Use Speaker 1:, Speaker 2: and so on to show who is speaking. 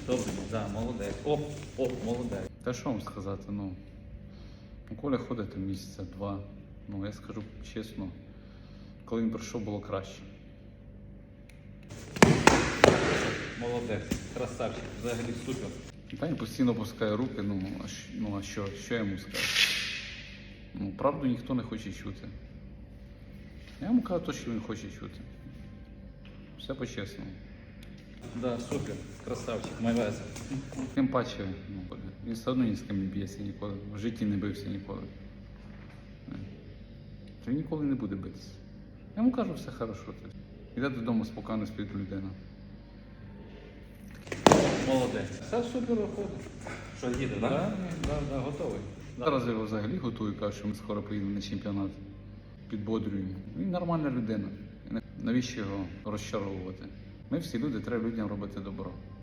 Speaker 1: Добре, да, молодець. Молодець. Та що вам сказати, Коля ходить там місяця, два. Я скажу чесно, коли він прийшов, було краще. Молодець, красавчик, взагалі супер. Та він постійно опускає руки, а що я йому скажу? Правду ніхто не хоче чути. Я йому кажу те, що він хоче чути. Все по-чесному. Да, супер, красавчик, молодець. Тим паче, він все одно ні з ким не б'ється ніколи, в житті не бився ніколи. Він ніколи не буде битися. Я йому кажу, все хорошо. Іде додому, спокійно спить людина. Молодець. Все супер виходить. Що, їде, так? Так, готовий. Зараз я його взагалі готую, кажу, що ми скоро поїдемо на чемпіонат. Підбодрюємо. Він нормальна людина. Навіщо його розчаровувати? Ми всі люди, треба людям робити добро.